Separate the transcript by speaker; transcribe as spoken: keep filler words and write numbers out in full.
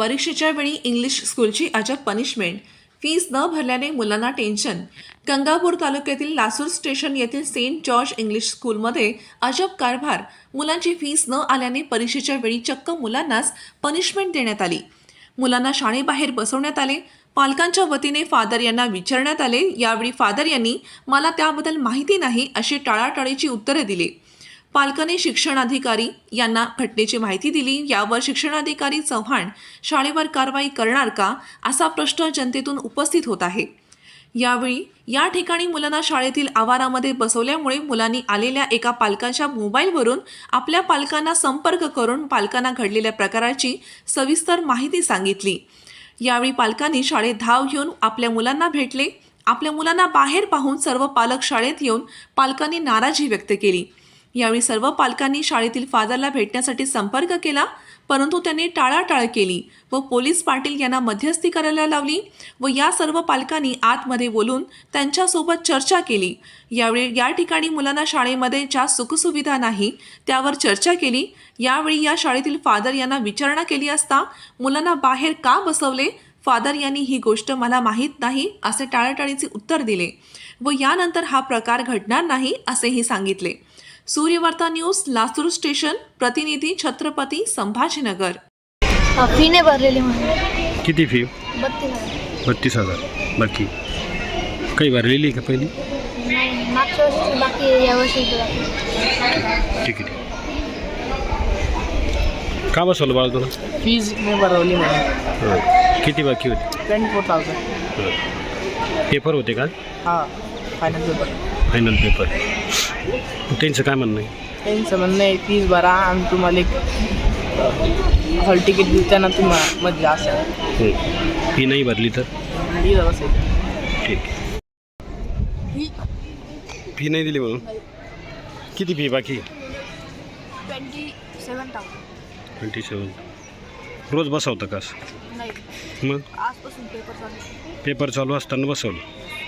Speaker 1: परीक्षेच्या वेळी इंग्लिश स्कूलची अजब पनिशमेंट. फीस न भरल्याने मुलांना टेन्शन. गंगापूर तालुक्यातील लासूर स्टेशन येथील सेंट जॉर्ज इंग्लिश स्कूलमध्ये अजब कारभार. मुलांची फीस न आल्याने परीक्षेच्या वेळी चक्क मुलांनाच पनिशमेंट देण्यात आली. मुलांना शाळेबाहेर बसवण्यात आले. पालकांच्या वतीने फादर यांना विचारण्यात आले. यावेळी फादर यांनी मला त्याबद्दल माहिती नाही अशी टाळाटाळीची उत्तरे दिली. पालकांनी शिक्षणाधिकारी यांना घटनेची माहिती दिली. यावर शिक्षणाधिकारी चव्हाण शाळेवर कारवाई करणार का असा प्रश्न जनतेतून उपस्थित होत आहे. यावेळी या ठिकाणी मुलांना शाळेतील आवारामध्ये बसवल्यामुळे मुलांनी आलेल्या एका पालकाच्या मोबाईलवरून आपल्या पालकांना संपर्क करून पालकांना घडलेल्या प्रकाराची सविस्तर माहिती सांगितली. यावेळी पालकांनी शाळेत धाव घेऊन आपल्या मुलांना भेटले. आपल्या मुलांना बाहेर पाहून सर्व पालक शाळेत येऊन पालकांनी नाराजी व्यक्त केली. यावेळी सर्व पालकांनी शाळेतील फादरला भेटण्यासाठी संपर्क केला, परंतु त्यांनी टाळाटाळ केली व पोलीस पाटील यांना मध्यस्थी करायला लावली व या सर्व पालकांनी आतमध्ये बोलून त्यांच्यासोबत चर्चा केली. यावेळी या ठिकाणी मुलांना शाळेमध्ये ज्या सुखसुविधा नाही त्यावर चर्चा केली. यावेळी या शाळेतील फादर यांना विचारणा केली असता मुलांना बाहेर का बसवले, फादर यांनी ही गोष्ट मला माहीत नाही असे टाळाटाळीचे उत्तर दिले व यानंतर हा प्रकार घडणार नाही असेही सांगितले. सूर्यवार्ता न्यूज, लासूर स्टेशन, प्रतिनिधी छत्रपती संभाजीनगर.
Speaker 2: फी नाही भरलेली म्हणून.
Speaker 3: किती फी?
Speaker 2: बत्तीस हजार.
Speaker 3: बत्तीस हजार. बाकी काही भरलेली का पहिली?
Speaker 2: नाही, मागच्या वर्षी बाकी आहे, या वर्षी बाकी.
Speaker 3: ठीक आहे. का बसवलं बाळा तुला?
Speaker 4: फीज नाही भरवली म्हणून.
Speaker 3: किती बाकी होती?
Speaker 4: Twenty four thousand.
Speaker 3: पेपर होते का?
Speaker 4: हां, फायनल पेपर.
Speaker 3: Final paper. त्यांचं काय म्हणणं आहे?
Speaker 4: त्यांचं म्हणणं आहे फीज भरा आणि तुम्हाला एक हॉल तिकीट देताना तुम्हाला मध्ये असेल.
Speaker 3: फी नाही भरली तर
Speaker 4: दिलं असेल.
Speaker 3: ठीक. फी नाही दिली म्हणून किती फी बाकी?
Speaker 2: Twenty seven thousand.
Speaker 3: Twenty seven. रोज बसवतं का असं?
Speaker 2: नाही,
Speaker 3: मग
Speaker 2: आजपासून पेपर चालू.
Speaker 3: पेपर चालू असताना बसवलं.